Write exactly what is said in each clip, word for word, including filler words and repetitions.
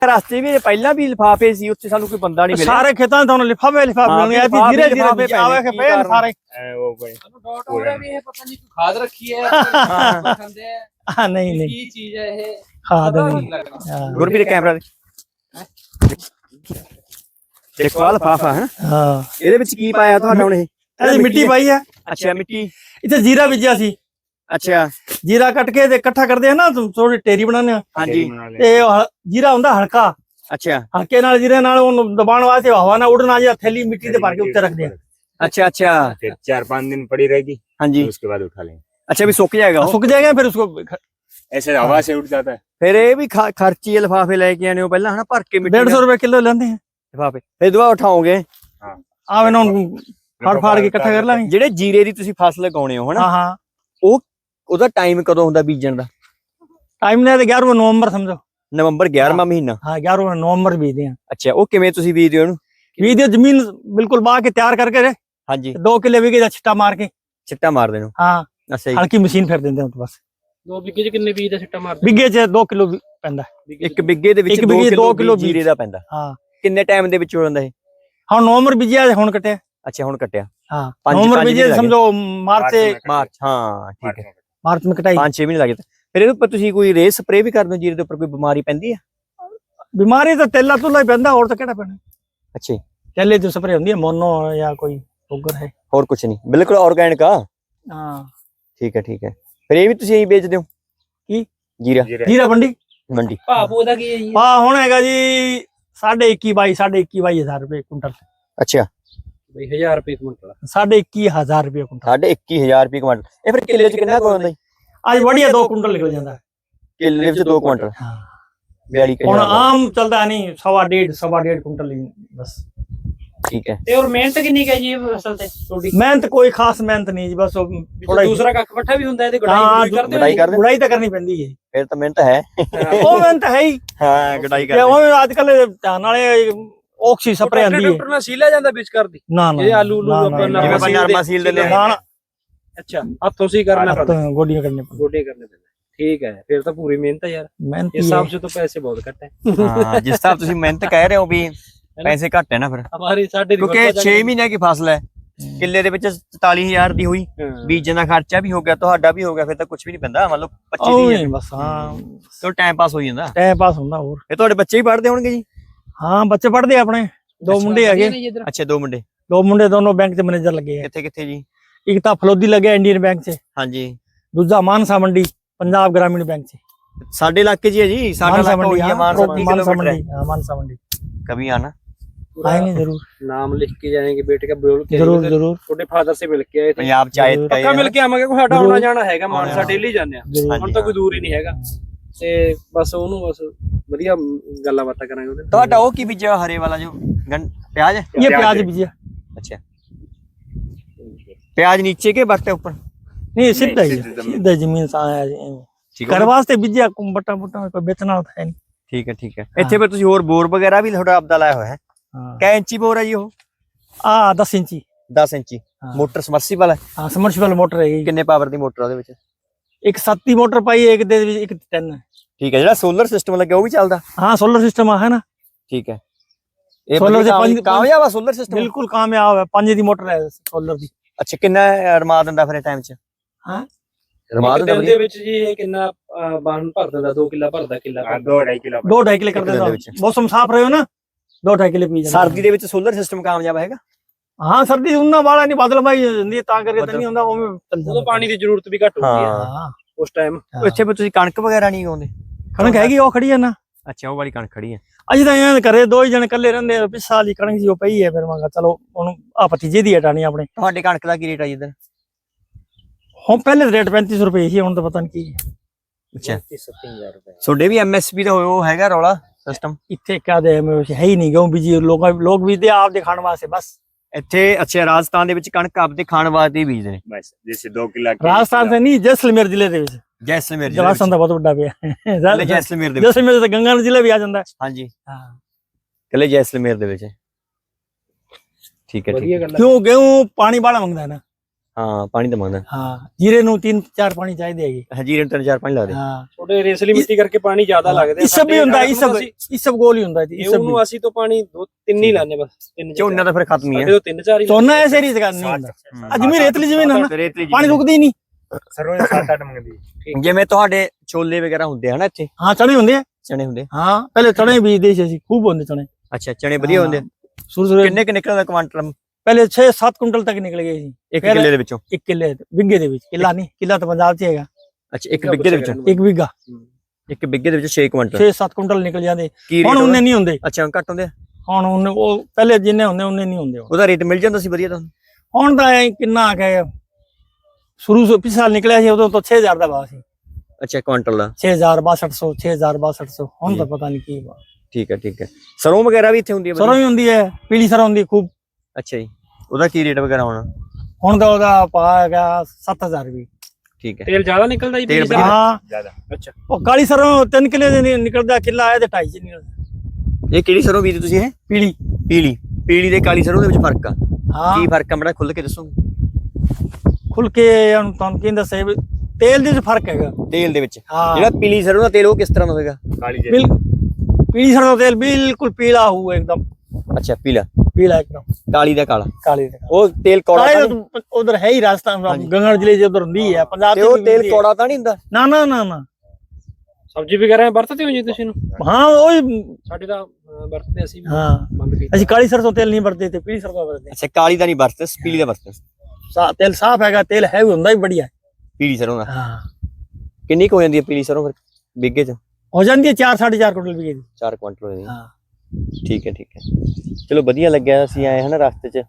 ਰਸਤੇ ਵੀ ਪਹਿਲਾਂ ਵੀ ਲਿਫਾਫੇ ਸੀ, ਉੱਥੇ ਸਾਨੂੰ ਕੋਈ ਬੰਦਾ ਨਹੀਂ ਮਿਲਿਆ। ਸਾਰੇ ਖੇਤਾਂ ਤੁਹਾਨੂੰ ਲਿਫਾਫੇ ਲਿਫਾਫੇ ਮਿਲਣੇ ਆ, ਧੀਰੇ ਧੀਰੇ ਆਵੇ ਕਿ ਪਏ ਸਾਰੇ ਉਹ ਕੋਈ ਡਾਟ ਹੋ ਰਿਹਾ ਵੀ ਇਹ ਪਤਾ ਨਹੀਂ ਕੋਈ ਖਾਦ ਰੱਖੀ ਹੈ ਖਾਂਦੇ ਆ। ਹਾਂ ਨਹੀਂ ਨਹੀਂ ਕੀ ਚੀਜ਼ ਹੈ ਇਹ, ਖਾਦ ਪਤਾ ਨਹੀਂ। ਨਹੀਂ ਲੱਗਦਾ। ਹਾਂ ਗੁਰਪ੍ਰੀਤ ਕੈਮਰਾ ਦੇਖੋ ਆ ਲਿਫਾਫਾ ਹੈ, ਹਾਂ ਇਹਦੇ ਵਿੱਚ ਕੀ ਪਾਇਆ ਤੁਹਾਡਾ ਹੁਣ? ਇਹ ਇਹ ਮਿੱਟੀ ਪਾਈ ਹੈ। ਅੱਛਾ ਮਿੱਟੀ, ਇੱਥੇ ਜੀਰਾ ਬੀਜਿਆ ਸੀ। ਅੱਛਾ ਜੀਰਾ ਕੱਟ ਕੇ ਤੇ ਇਕੱਠਾ ਕਰਦੇ ਆ ਨਾ, ਥੋੜੀ ਢੇਰੀ ਬਣਾਉਂਦੇ ਆ, ਹਾਂਜੀ ਤੇ ਉਹ ਹਲ- ਜੀਰਾ ਹੁੰਦਾ ਹਲਕਾ, ਅੱਛਾ ਹਲਕੇ ਨਾਲ ਜੀਰੇ ਨਾਲ ਉਹਨੂੰ ਦਬਾਉਣ ਵਾਸਤੇ ਹਵਾ ਨਾ ਉੜਨਾ ਜਾਂ ਥੈਲੀ ਮਿੱਟੀ ਦੇ ਭਰ ਕੇ ਉੱਤੇ ਰੱਖਦੇ ਆ। अच्छा अच्छा फिर चार पाँच दिन पड़ी रहेगी, हाँ जी, उसके बाद उठा लेंगे। अच्छा भी सूख जाएगा वो? सुख जाएगा फिर उसको ऐसे हवा से उठ जाता है। फिर ये भी खा- खर्ची लिफाफे लेके आने हो पहला है ना, भर के मिट्टी डेढ़ सौ रुपए किलो लेंदे हैं लिफाफे, फिर दुआ उठाओगे ਆ ਇਹਨਾਂ ਨੂੰ ਫੜ ਫੜ ਕੇ ਇਕੱਠਾ ਕਰ ਲਾਂਗੇ। ਜਿਹੜੇ ਜੀਰੇ ਦੀ ਤੁਸੀਂ ਫਸਲ ਲਗਾਉਣੇ ਹੋ ਹਨਾ, ਹਾਂ ਹਾਂ ਉਹ ਉਹਦਾ ਟਾਈਮ ਕਦੋਂ ਹੁੰਦਾ ਬੀਜਣ ਦਾ? ਟਾਈਮ ਨੇ ਤੇ ਗਿਆਰਵਾਂ ਨਵੰਬਰ ਸਮਝੋ। ਨਵੰਬਰ ਗਿਆਰਵਾਂ ਮਹੀਨਾ। ਹਾਂ ਗਿਆਰਵਾਂ ਨਵੰਬਰ ਬੀਜਦੇ ਆ। ਅੱਛਾ ਉਹ ਕਿਵੇਂ ਤੁਸੀਂ ਬੀਜਦੇ ਹੋ ਉਹਨੂੰ? ਬੀਜਦੇ ਜ਼ਮੀਨ ਬਿਲਕੁਲ ਬਾਹ ਕੇ ਤਿਆਰ ਕਰਕੇ ਹਾਂਜੀ ਦੋ ਕਿੱਲੇ ਵਿਗੇ ਦਾ ਛਿੱਟਾ ਮਾਰ ਕੇ ਛਿੱਟਾ ਮਾਰਦੇ ਨੂੰ। ਹਾਂ ਅੱਛਾ ਜੀ, ਹਲਕੀ ਮਸ਼ੀਨ ਫਿਰ ਦਿੰਦੇ ਹਾਂ ਬਸ। ਦੋ ਬਿੱਗੇ ਚ ਕਿੰਨੇ ਬੀਜ ਦਾ ਸਿੱਟਾ ਮਾਰਦੇ? ਬਿੱਗੇ ਚ ਦੋ ਕਿਲੋ ਪੈਂਦਾ। ਇੱਕ ਬਿੱਗੇ ਦੇ ਵਿੱਚ ਇੱਕ ਦੋ ਬਿੱਗੇ ਦੋ ਕਿਲੋ ਕਿਲੋ ਜੀਰੇ ਦਾ ਪੈਂਦਾ। ਹਾਂ ਕਿੰਨੇ ਟਾਈਮ ਦੇ ਵਿੱਚ ਹੋ ਜਾਂਦਾ ਇਹ? ਹੁਣ ਨਵੰਬਰ ਬੀਜਿਆ ਹੁਣ ਕੱਟਿਆ। ਅੱਛਾ ਹੁਣ ਕੱਟਿਆ। ਹਾਂ ਪੰਜ- ਨਵੰਬਰ ਪੰਜ ਬੀਜਿਆ ਮਹੀਨੇ ਸਮਝੋ ਮਾਰਚ ਤੇ ਮਾਰਚ, ਹਾਂ ਠੀਕ ਹੈ, ਮਾਰਚ में कटाई। ਪੰਜ ਛੇ ਮਹੀਨੇ ਲੱਗੇ। ਫਿਰ ਇਹਦੇ ਉੱਪਰ ਤੁਸੀਂ ਕੋਈ ਰੇ ਸਪਰੇ ਵੀ ਕਰਦੇ ਹੋ? ਜੀਰੇ ਦੇ ਉੱਪਰ ਕੋਈ ਬਿਮਾਰੀ ਪੈਂਦੀ ਹੈ? ਬਿਮਾਰੀ ਤਾਂ ਤੇਲਾ ਤੁਲਾ ਹੀ ਪੈਂਦਾ, ਹੋਰ ਤਾਂ ਕਿਹੜਾ ਪੈਣਾ। ਅੱਛਾ ਤੇਲੇ ਦੀ ਸਪਰੇ ਹੁੰਦੀ ਹੈ, ਮੋਨੋ ਜਾਂ ਕੋਈ ਸ਼ੂਗਰ ਹੈ। ਹੋਰ ਕੁਝ ਨਹੀਂ, ਬਿਲਕੁਲ ਆਰਗੈਨਿਕ ਆ। ਹਾਂ ਠੀਕ ਹੈ ਠੀਕ ਹੈ। ਫਿਰ ਇਹ ਵੀ ਤੁਸੀਂ ਇਹੀ ਵੇਚਦੇ ਹੋ? ਕੀ ਜੀਰਾ ਜੀਰਾ ਮੰਡੀ ਮੰਡੀ? ਭਾਅ ਉਹਦਾ ਕੀ ਹੈ ਜੀ? ਹਾਂ ਹੁਣ ਹੈਗਾ ਜੀ ਸਾਢੇ ਇੱਕੀ ਬਾਈ ਸਾਢੇ ਇੱਕੀ ਬਾਈ ਹਜ਼ਾਰ ਰੁਪਏ ਕੁਇੰਟਲ। ਅੱਛਾ ਬਈ ਹਜ਼ਾਰ ਰੁਪਏ ਕੁਇੰਟਲ। ਸਾਢੇ ਇੱਕੀ ਹਜ਼ਾਰ ਰੁਪਏ ਕੁਇੰਟਲ। ਸਾਢੇ ਇੱਕੀ ਹਜ਼ਾਰ ਰੁਪਏ ਕੁਇੰਟਲ। ਇਹ ਫਿਰ ਕਿੱਲੇ ਚ ਕਿੰਨਾ ਕੁ ਹੁੰਦਾ ਜੀ? ਅੱਜ ਵੜੀਆ ਦੋ ਕੁਇੰਟਲ ਨਿਕਲ ਜਾਂਦਾ। ਕਿੱਲੇ ਵਿੱਚ ਦੋ ਕੁਇੰਟਲ, ਹਾਂ ਬਿਆਲੀ ਹੁਣ ਹਜ਼ਾਰ। ਆਮ ਚੱਲਦਾ ਨਹੀਂ, ਸਵਾ ਡੇਢ ਸਵਾ ਡੇਢ ਕੁਇੰਟਲ ਹੀ ਬਸ। ਠੀਕ ਹੈ। ਤੇ ਹੋਰ ਮਿਹਨਤ ਕਿੰਨੀ ਹੈ ਜੀ ਫਸਲ ਤੇ ਤੁਹਾਡੀ? ਮਿਹਨਤ ਕੋਈ ਖਾਸ ਮਿਹਨਤ ਨਹੀਂ ਜੀ, ਬਸ ਥੋੜਾ ਦੂਸਰਾ ਕੱਖ ਪੱਠਾ ਵੀ ਹੁੰਦਾ ਇਹਦੇ ਹਾਂ, ਗੁਡਾਈ ਕਰਦੇ ਗੁਡਾਈ ਹੋ? ਕਰਦੇ ਗੁੜਾਈ ਤਾਂ ਕਰਨੀ ਪੈਂਦੀ ਹੈ। ਫਿਰ ਤਾਂ ਮਿਹਨਤ ਹੈ। ਉਹ ਮਿਹਨਤ ਹੈ ਹੀ। ਹਾਂ ਗੁਡਾਈ ਤੇ ਕਰਦੇ। ਉਹ ਅੱਜ ਕੱਲ ਧਿਆਨ ਵਾਲੇ ਆਕਸੀ ਸਪਰੇ ਆਂਦੀ ਹੈ। ਡਾਕਟਰ ਨਾਲ ਸੀਲਾ ਜਾਂਦਾ ਵਿੱਚ ਕਰਦੀ ਨਾ ਨਾ ਇਹ ਆਲੂ ਉਲੂ ਨਾ, ਨਾ, ਆਪਾਂ ਨਾ, ਜਿਵੇਂ ਆਪਾਂ ਸੀਲ ਨਰਮਾ ਸੀਲ ਦਿੰਦੇ ਨਾ, ਨਾ, ਅੱਛਾ ਹੱਥੋਂ ਸੀ ਕਰਨਾ ਪੈਂਦਾ, ਤਾਂ ਗੋਡੀਆਂ ਕਰਨੇ ਪੈਂਦੀਆਂ। ਗੋਡੇ ਕਰਨੇ ਪੈਂਦੇ। ਠੀਕ ਹੈ, ਫਿਰ ਤਾਂ ਪੂਰੀ ਮਿਹਨਤ ਹੈ ਯਾਰ। ਮਿਹਨਤ ਇਸ ਹੀ ਹੈ। ਹਿਸਾਬ ਸੇ ਤਾਂ ਪੈਸੇ ਬਹੁਤ ਘੱਟ ਹੈ ਹਾਂ ਜਿਸ ਤਰ੍ਹਾਂ ਤੁਸੀਂ ਮਿਹਨਤ ਕਹਿ ਰਹੇ ਹੋ ਵੀ ਪੈਸੇ ਘੱਟ ਹੈ ਨਾ, ਫਿਰ ਹਮਾਰੀ ਸਾਡੇ ਕਿਉਂਕਿ ਛੇ ਮਹੀਨੇ ਦੀ ਫਸਲ ਹੈ, ਕਿੱਲੇ ਦੇ ਵਿੱਚ ਚੁਤਾਲੀ ਹਜ਼ਾਰ ਦੀ ਹੋਈ, ਬੀਜਣ ਦਾ ਖਰਚਾ ਵੀ ਹੋ ਗਿਆ, ਤੁਹਾਡਾ ਵੀ ਹੋ ਗਿਆ, ਫਿਰ ਤਾਂ ਕੁਝ ਵੀ ਨਹੀਂ ਪੈਂਦਾ। ਮੰਨ ਲਓ ਪੱਚੀ ਉਹ ਦੀ ਹੀ ਬਸ ਹਾਂ ਚਲੋ ਟਾਈਮ ਪਾਸ ਹੋ ਜਾਂਦਾ। ਟਾਈਮ ਪਾਸ ਹੁੰਦਾ। ਹੋਰ ਇਹ ਤੁਹਾਡੇ ਬੱਚੇ ਵੀ ਪੜ੍ਹਦੇ ਹੋਣਗੇ ਜੀ? ਹਾਂ ਬੱਚੇ ਪੜ੍ਹਦੇ ਆ ਆਪਣੇ, ਦੋ ਮੁੰਡੇ ਹੈਗੇ। ਅੱਛਾ ਦੋ ਮੁੰਡੇ, ਦੋ ਮੁੰਡੇ ਦੋਨੋਂ ਬੈਂਕ 'ਚ ਮੈਨੇਜਰ ਲੱਗੇ ਆ। ਕਿੱਥੇ ਕਿੱਥੇ ਜੀ? ਇੱਕ ਤਾਂ ਫਲੋਦੀ ਲੱਗਿਆ ਇੰਡੀਅਨ ਬੈਂਕ 'ਚ, ਹਾਂਜੀ ਦੂਜਾ ਮਾਨਸਾ ਮੰਡੀ ਪੰਜਾਬ ਗ੍ਰਾਮੀਣ ਬੈਂਕ 'ਚ। ਸਾਡੇ ਇਲਾਕੇ 'ਚ ਹੀ ਹੈ ਜੀ, ਸਾਡਾ ਮਾਨਸਾ ਇਲਾਕਾ ਉਹੀ ਮੰਡੀ ਹੈ, ਮਾਨਸਾ ਤੀਹ ਮਾਨਸਾ ਕਿਲੋਮੀਟਰ ਮੰਡੀ ਹਾਂ ਮਾਨਸਾ ਮੰਡੀ। कभी आना। आएंगे जरूर नाम लिख के जाएंगे बेटे का, बोल के जरूर जरूर छोटे फादर से मिल के आए थे। पंजाब चाय जरूर। पक्का मिल के आवांगे, कोई साडा जरूर। आना जाना हैगा मानसा, हाँ। डेली जाने आ जरूर। ਹੁਣ ਤਾਂ ਕੋਈ ਦੂਰ ਹੀ ਨਹੀਂ ਹੈਗਾ ਤੇ ਬਸ ਉਹਨੂੰ ਬਸ ਵਧੀਆ ਗੱਲਾਂ ਬਾਤਾਂ ਕਰਾਂਗੇ ਉਹਦੇ ਨਾਲ। ਤੁਹਾਡਾ ਉਹ ਕੀ ਬੀਜਿਆ ਹਰੇ ਵਾਲਾ ਜੋ गन प्याज है? ये प्याज बीजिए। अच्छा प्याज नीचे के बट्टे ऊपर? नहीं सीधा ही है, सीधा जमीन सा आया ठीक घर है वास्ते बीजिए, बट्टा बुट्टा कोई बेचना होता है नहीं। ठीक है ठीक है। ਇੱਥੇ ਫਿਰ ਤੁਸੀਂ ਹੋਰ ਬੋਰ ਵਗੈਰਾ ਵੀ ਤੁਹਾਡਾ ਆਪਦਾ ਲਾਇਆ ਹੋਇਆ ਹੈ? हाँ ਕਿੰਨੇ ਇੰਚੀ ਬੋਰ ਹੈ ਜੀ ਉਹ? आ दस इंची दस ਇੰਚੀ। हाँ। ਮੋਟਰ ਸਮਰਸੀਬਲ ਹੈ? हाँ सबमर्सिबल मोटर है। ਕਿੰਨੇ ਪਾਵਰ ਦੀ ਮੋਟਰ ਉਹਦੇ ਵਿੱਚ? एक सत्ती मोटर पाई है, एक दे एक टेन है। ਠੀਕ ਹੈ। ਜਿਹੜਾ ਸੋਲਰ ਸਿਸਟਮ ਲੱਗਿਆ ਉਹ ਵੀ ਚੱਲਦਾ? हाँ सोलर सिस्टम है ना, ਠੀਕ ਹੈ। ਇਹ Solar solar ਦੇ ਪੰਜ- ਕਾਮਯਾਬ ਆ ਸੋਲਰ ਸਿਸਟਮ? बिल्कुल कामयाब है। पांच दी मोटर है सोलर दी। ਅੱਛਾ ਕਿੰਨਾ ਰਮਾ ਦਿੰਦਾ ਫਿਰ ਟਾਈਮ ਚ? हाँ ਰਮਾ ਇੱਕ ਦਿੰਦਾ ਦਿਨ ਦੇ ਵਿੱਚ ਜੀ ਇਹ ਕਿੰਨਾ ਅਹ, ਬਾਣ ਭਰ ਦਿੰਦਾ? ਦੋ ਕਿੱਲਾ ਭਰਦਾ, ਕਿੱਲਾ हाँ, ਭਰਦਾ। दो ढाई किलो दो ढाई किलो कर एक दिन देता दे विच। मौसम साफ रहे हो ना, दो ढाई किलो पी जाता। ਸਰਦੀ ਦੇ ਵਿੱਚ ਸੋਲਰ ਸਿਸਟਮ ਕਾਮਯਾਬ ਹੈਗਾ? हाँ सर्दी उन्ना वाला नहीं, बादल भाई नहीं ता करके तो नहीं होता वो में चल ਉਦੋਂ ਪਾਣੀ ਦੀ ਜ਼ਰੂਰਤ ਵੀ ਘੱਟ ਹੁੰਦੀ ਹੈ हाँ ਉਸ ਟਾਈਮ। ਇੱਥੇ ਫਿਰ ਤੁਸੀਂ ਕਣਕ ਵਗੈਰਾ ਨਹੀਂ ਉਗਾਉਂਦੇ? कणक हैगी वो खड़ी है ना। ਅੱਛਾ ਉਹ ਵਾਲੀ ਕਣਕ ਖੜੀ ਹੈ। अज तो यहाँ करे दो ही जने कल्ले रहंदे, पिछले साल ही कणक जी वो पई है, फिर मैं कहा चलो ओनु आ भतीजे दी हटानी अपने। ਤੁਹਾਡੇ ਕਣਕ ਦਾ ਕੀ ਰੇਟ ਆ ਜੀ ਇੱਧਰ? हम पहले रेट पैंतीस रुपए ही, हुन तो पता नहीं की ਅੱਛਾ तीस हज़ार रुपए ਤੁਹਾਡੇ ਵੀ ਐਮਐਸਪੀ ਦਾ ਉਹ ਹੈਗਾ ਰੌਲਾ ਸਿਸਟਮ? इत्थे क्या दे में है ही नहीं, गेहूं बीजी लोग लोग बीजते आप दे खाने वास्ते बस। ਇੱਥੇ ਅੱਛਾ ਰਾਜਸਥਾਨ ਦੇ ਵਿੱਚ ਕਣਕ ਆਪਦੇ ਖਾਣ ਵਾਸਤੇ ਹੀ ਬੀਜਦੇ ਨੇ? बस जैसे दो किलो की- राजस्थान से नहीं, जैसलमेर जिले दे विच। ਜੈਸਲਮੇਰ ਜ਼ਿਲ੍ਹੇ राजस्थान दा बहुत बड़ा पे ਕੱਲੇ है। ਜੈਸਲਮੇਰ ਦੇ ਵਿੱਚ? जैसलमेर से गंगानगर जिला भी आ जाता है। ਹਾਂਜੀ हां ਕੱਲੇ ਜੈਸਲਮੇਰ ਦੇ ਵਿੱਚ। ਠੀਕ ਹੈ ਠੀਕ ਵਧੀਆ ਹੈ। ਗੱਲ ਹੈ। क्यों गेहूं पानी बड़ा मंगदा है ना, ਹਾਂ ਪਾਣੀ ਤਾਂ ਮੰਗਦਾ। ਹਾਂ ਜੀਰੇ ਨੂੰ तीन चार ਪਾਣੀ ਚਾਹੀਦੇ ਹੈਗੇ। ਹਜੀਰੇ ਨੂੰ ਤਿੰਨ ਚਾਰ ਪਾਣੀ ਲੱਗਦੇ। ਹਾਂ ਥੋੜੇ ਰੇਸਲੀ ਮਿੱਟੀ ਕਰਕੇ ਪਾਣੀ ਜ਼ਿਆਦਾ ਲੱਗਦਾ। ਇਸ ਸਭ ਵੀ ਹੁੰਦਾ, ਇਸ ਸਭ ਇਸ ਸਭ ਗੋਲ ਹੀ ਹੁੰਦਾ ਜੀ। ਇਹ ਉਹਨੂੰ ਅਸੀਂ ਤੋਂ ਪਾਣੀ ਦੋ ਤਿੰਨ ਹੀ ਲਾਣੇ ਬਸ, ਤਿੰਨ ਝੋਨਾ ਤਾਂ ਫਿਰ ਖਤਮ ਹੀ ਸਾਡੇ ਹੈ। ਤੋਂ ਤਿੰਨ ਚਾਰ ਹੀ ਝੋਨਾ ਐਸੇ ਰੀਤ ਕਰ ਨਹੀਂ ਹੁੰਦਾ। ਅੱਜ ਵੀ ਰੇਤਲੀ ਜ਼ਮੀਨ ਹੈ ਨਾ, ਰੇਤਲੀ ਪਾਣੀ ਰੁਕਦੀ ਨਹੀਂ। ਸਰੋਂ ਸੱਤ ਅੱਠ ਮੰਗਦੀ। ਜਿਵੇਂ ਤੁਹਾਡੇ ਛੋਲੇ ਵਗੈਰਾ ਹੁੰਦੇ ਹਨ ਇੱਥੇ, ਹਾਂ ਚਣੇ ਹੁੰਦੇ ਆ। ਚਣੇ ਹੁੰਦੇ। ਹਾਂ ਪਹਿਲੇ ਚਣੇ ਬੀਜਦੇ ਸੀ ਅਸੀਂ, ਖੂਬ ਹੁੰਦੇ ਚਣੇ। ਅੱਛਾ ਚਣੇ ਵਧੀਆ ਹੁੰਦੇ। ਸ਼ੁਰੂ ਸ਼ੁਰੂ ਕਿੰਨੇ ਕਿ ਨਿਕਲਦਾ ਕੁਆਂਟਲ? ਪਹਿਲੇ छह सात ਕੁਇੰਟਲ ਤੱਕ ਨਿਕਲ ਗਏ ਸੀ ਇੱਕ ਕਿੱਲੇ ਦੇ ਵਿੱਚੋਂ। ਇੱਕ ਕਿੱਲੇ ਵਿਗੇ ਦੇ ਵਿੱਚ, ਕਿੱਲਾ ਨਹੀਂ, ਕਿੱਲਾ ਤਾਂ ਪੰਜਾਬ 'ਚ ਹੈਗਾ। ਅੱਛਾ ਇੱਕ ਬਿੱਗੇ ਦੇ ਵਿੱਚੋਂ, ਇੱਕ ਵਿਗਾ ਇੱਕ ਬਿੱਗੇ ਦੇ ਵਿੱਚ ਛੇ ਕੁਇੰਟਲ छह सात ਕੁਇੰਟਲ ਨਿਕਲ ਜਾਂਦੇ। ਕੀ ਹੁਣ ਰੇਟ? ਉਹਨੇ ਨਹੀਂ ਹੁੰਦੇ। ਅੱਛਾ ਘੱਟ ਹੁੰਦੇ। ਹੁਣ ਉਹਨੇ ਉਹ ਪਹਿਲੇ ਜਿੰਨੇ ਹੁੰਦੇ ਉਹਨੇ ਨਹੀਂ ਹੁੰਦੇ। ਉਹਦਾ ਰੇਟ ਮਿਲ ਜਾਂਦਾ ਸੀ ਵਧੀਆ ਤੁਹਾਨੂੰ? ਹੁਣ ਤਾਂ ਐਂ ਕਿੰਨਾ ਆ ਗਿਆ, ਸ਼ੁਰੂ ਤੋਂ ਪਿਛਲੇ ਸਾਲ ਨਿਕਲਿਆ ਸੀ ਉਦੋਂ ਤਾਂ छह हज़ार ਦਾ ਭਾਅ ਸੀ। ਅੱਛਾ ਕੁਆਂਟਲ ਦਾ छह हज़ार बासठ सौ छह हज़ार बासठ सौ। ਹੁਣ ਤਾਂ ਪਤਾ ਨਹੀਂ ਕੀ ਵਾ। ਠੀਕ ਹੈ ਠੀਕ ਹੈ। ਸਰੋਂ ਵਗੈਰਾ ਵੀ ਇੱਥੇ ਹੁੰਦੀ ਹੈ ਸਰੋਂ ਵੀ ਹੁੰਦੀ ਹੈ, ਪੀਲੀ ਸਰੋਂ ਹੁੰਦੀ ਖੂਬ। ਅੱਛਾ ਜੀ ਉਹਦਾ ਕੀ ਰੇਟ ਵਗੈਰਾ ਹੋਣਾ? ਹੁਣ ਤਾਂ ਉਹਦਾ ਭਾਅ ਹੈਗਾ सत्त हज़ार ਵੀ। ਠੀਕ ਹੈ। ਤੇਲ ਜ਼ਿਆਦਾ ਨਿਕਲਦਾ ਜੀ? ਤੇਲ ਪੀਲੀ ਹਾਂ ਜ਼ਿਆਦਾ। ਅੱਛਾ ਉਹ ਕਾਲੀ ਸਰੋਂ ਤਿੰਨ ਕਿੱਲੇ ਦੇ ਨੀ- ਨਿਕਲਦਾ, ਕਿੱਲਾ ਆਇਆ ਤੇ ਢਾਈ ਚ ਨਿਕਲਦਾ। ਇਹ ਕਿਹੜੀ ਸਰੋਂ ਬੀਜਦੇ ਤੁਸੀਂ? ਇਹ ਪੀਲੀ। ਪੀਲੀ। ਪੀਲੀ ਤੇ ਕਾਲੀ ਸਰੋਂ ਦੇ ਵਿੱਚ ਫਰਕ ਆ? ਹਾਂ ਕੀ ਫਰਕ ਆ ਬੜਾ ਖੁੱਲ ਕੇ ਦੱਸੋਗੇ? ਖੁੱਲ ਕੇ ਹੁਣ ਤੁਹਾਨੂੰ ਕੀ ਦੱਸੇ, ਤੇਲ ਦੇ ਵਿੱਚ ਫਰਕ ਹੈਗਾ। ਤੇਲ ਦੇ ਵਿੱਚ ਹਾਂ ਜਿਹੜਾ ਪੀਲੀ ਸਰੋਂ ਦਾ ਤੇਲ ਉਹ ਕਿਸ ਤਰ੍ਹਾਂ ਦਾ ਹੋਵੇਗਾ? ਕਾਲੀ ਜੀ ਬਿਲ ਪੀਲੀ ਸਰੋਂ ਦਾ ਤੇਲ ਬਿਲਕੁਲ ਪੀਲਾ ਹੋਊ एकदम, ਅੱਛਾ ਪੀਲਾ। ਪੀਲਾ एकदम ਕਾਲੀ ਦਾ ਕਾਲਾ। ਕਾਲੀ ਦਾ। ਉਹ ਤੇਲ ਕੌੜਾ ਤਾਂ ਨਹੀਂ? ਉਧਰ ਹੈ ਹੀ ਰਾਜਸਥਾਨ, ਹਾਂਜੀ। ਗੰਗੜ ਜ਼ਿਲ੍ਹੇ ਚ ਉਧਰ ਹੁੰਦੀ ਹੈ। ਪੰਜਾਬ ਤੇ ਚ ਉਹ ਵੀ ਤੇਲ ਹੁੰਦੀ ਹੈ। ਕੌੜਾ ਤਾਂ ਨਹੀਂ ਹੁੰਦਾ? ਨਾ ਨਾ ਨਾ ਨਾ ਸਬਜ਼ੀ ਵਗੈਰਾ ਵਰਤਦੇ ਹੋ ਜੀ ਤੁਸੀਂ ਨੂੰ? ਹਾਂ ਉਹੀ। ਸਾਡੇ ਤਾਂ ਅਹ, ਵਰਤਦੇ ਅਸੀਂ ਵੀ ਹਾਂ ਬੰਦ ਕੀਤਾ। ਅਸੀਂ ਕਾਲੀ ਸਰਸੋਂ ਤੇਲ ਨਹੀਂ ਵਰਤਦੇ ਤੇ ਪੀਲੀ ਸਰਸੋਂ ਵਰਤਦੇ। ਅੱਛਾ ਕਾਲੀ ਦਾ ਨਹੀਂ ਵਰਤਦੇ, ਪੀਲੀ ਦਾ ਵਰਤਦੇ। ਸਾ ਤੇਲ ਸਾਫ਼ ਹੈਗਾ, ਤੇਲ ਹੈ ਵੀ ਹੁੰਦਾ ਹੀ ਬੜੀਆ। ਪੀਲੀ ਸਰੋਂ ਦਾ ਹਾਂ ਕਿੰਨੀ ਕੁ ਹੋ ਜਾਂਦੀ ਹੈ ਪੀਲੀ ਸਰੋਂ ਫਿਰ ਬਿੱਗੇ ਚ? ਹੋ ਜਾਂਦੀ ਹੈ ਚਾਰ ਸਾਢੇ ਚਾਰ ਕੁਇੰਟਲ ਵੀ। ਚਾਰ ਕੁਇੰਟਲ ਹੋ ਜਾਂਦੀ ਹੈ। ਹਾਂ ਠੀਕ ਹੈ ਠੀਕ ਹੈ। ਚਲੋ ਵਧੀਆ ਲੱਗਿਆ, ਅਸੀਂ ਆਏ ਹਨਾ ਰਸਤੇ 'ਚ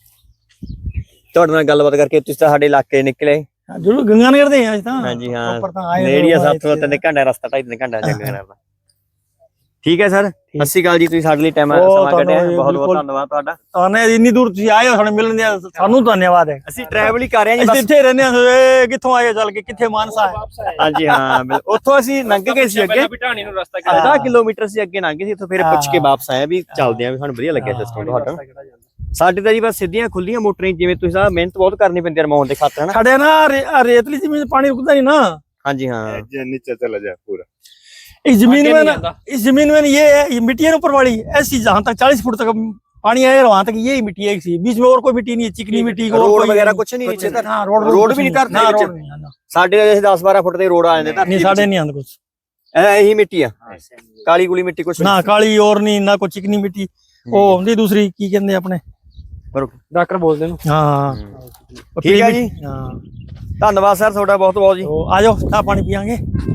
ਤੁਹਾਡੇ ਨਾਲ ਗੱਲਬਾਤ ਕਰਕੇ। ਤੁਸੀਂ ਤਾਂ ਸਾਡੇ ਇਲਾਕੇ ਨਿਕਲੇ। ਜਰੂਰ ਗੰਗਾ ਨਗਰ ਦੇ ਆ ਅੱਜ ਤਾਂ। ਹਾਂਜੀ ਹਾਂ ਉੱਪਰ ਤਾਂ ਆਏ ਨੇੜੀਆ ਹੋਏ ਸੱਤ ਤੋਂ ਤਿੰਨ ਘੰਟੇ ਰਸਤਾ, ਢਾਈ ਤਿੰਨ ਘੰਟਾ ਜੰਗ ਦਾ। ਠੀਕ ਹੈ ਸਰ, ਸਤਿ ਸ਼੍ਰੀ ਅਕਾਲ ਜੀ। ਤੁਸੀਂ ਸਾਡੇ ਲਈ ਟਾਈਮ ਉਹ ਸਮਾਂ ਤੁਹਾਨੂੰ ਕੱਢਿਆ, ਜੀ ਬਹੁਤ ਬਹੁਤ ਬਿਲਕੁਲ। ਧੰਨਵਾਦ ਤੁਹਾਡਾ। ਤੁਹਾਨੂੰ ਇੰਨੀ ਦੂਰ ਤੁਸੀਂ ਆਏ ਹੋ, ਸਾਨੂੰ ਮਿਲਣ ਦੇ ਸਾਨੂੰ ਧੰਨਵਾਦ ਹੈ। ਅਸੀਂ ਟਰੈਵਲ ਹੀ ਕਰ ਰਹੇ ਹਾਂ ਜੀ ਅਸੀਂ ਬਸ। ਇੱਥੇ ਰਹਿੰਦੇ ਹਾਂ। ਕਿੱਥੋਂ ਆਏ ਹੋ ਚੱਲ ਕੇ, ਕਿੱਥੇ ਮਾਨਸਾ ਹੈ? ਵਾਪਸ ਆਏ। ਹਾਂਜੀ ਹਾਂ ਬਿਲ- ਉੱਥੋਂ ਅਸੀਂ ਲੰਘ ਗਏ ਸੀ ਅੱਗੇ, ਪਹਿਲਾਂ ਵੀ ਢਾਣੀ ਨੂੰ ਰਸਤਾ ਹਾਂ। ਅੱਧਾ ਕਿਲੋਮੀਟਰ ਸੀ ਅੱਗੇ ਲੰਘ ਗਏ ਸੀ। ਇੱਥੋਂ ਫਿਰ ਪੁੱਛ ਕੇ ਵਾਪਸ ਆਏ ਵੀ ਚੱਲਦੇ ਆਂ, ਵੀ ਸਾਨੂੰ ਵਧੀਆ ਲੱਗਿਆ ਸਿਸਟਮ ਤੁਹਾਡਾ। ਸਾਡੇ ਤਾਂ ਜੀ ਬਸ ਸਿੱਧੀਆਂ ਖੁੱਲੀਆਂ ਮੋਟਰਾਂ, ਜਿਵੇਂ ਤੁਸੀਂ ਆ ਮਿਹਨਤ ਬਹੁਤ ਕਰਨੀ ਪੈਂਦੀ ਹੈ ਰਮਾਉਣ ਦੇ ਖਾਤਰ ਹਨਾ। ਸਾਡੇ ਨਾ ਰੇ- ਆਹ ਰੇਤਲੀ ਜ਼ਮੀਨ ਪਾਣੀ ਰੁਕਦਾ नहीं ना। ਹਾਂਜੀ ਹਾਂ नीचे चला जाए पूरा। इस जमीन आगे में नहीं ना, आता। इस जमीन में ये है, ये मिट्टी है ना ऊपर वाली ऐसी, जहाँ तक चालीस फुट तक पानी आएगा वहां तक यही मिट्टी है। सी बीच में और कोई मिट्टी नहीं है, चिकनी मिट्टी को रोड वगैरह कुछ नहीं नीचे तक? हाँ रोड रोड भी नहीं धरती ना, ਵਿੱਚ? रोड नहीं है, ना। ਸਾਡੇ ਤਾਂ ਦਸ ਬਾਰਾਂ ਫੁੱਟ ਦੇ ਰੋਡ ਆ ਜਾਂਦੇ नहीं ਧਰਤੀ साढ़े ਵਿੱਚ। नहीं आंदा कुछ ਇਹ ਇਹੀ ਮਿੱਟੀ ਆ, ਕਾਲੀ ਗੁਲੀ ਮਿੱਟੀ ਕੁਛ ना काली और नहीं ना कोई चिकनी मिट्टी। वो होंदी दूसरी की कहते अपने। ਡਾਕਟਰ ਬੋਲਦੇ ਨੂੰ। हाँ ठीक है जी। हाँ ਧੰਨਵਾਦ ਸਰ ਤੁਹਾਡਾ ਬਹੁਤ ਬਹੁਤ ਜੀ। तो आ जाओ चाह पानी पियांगे।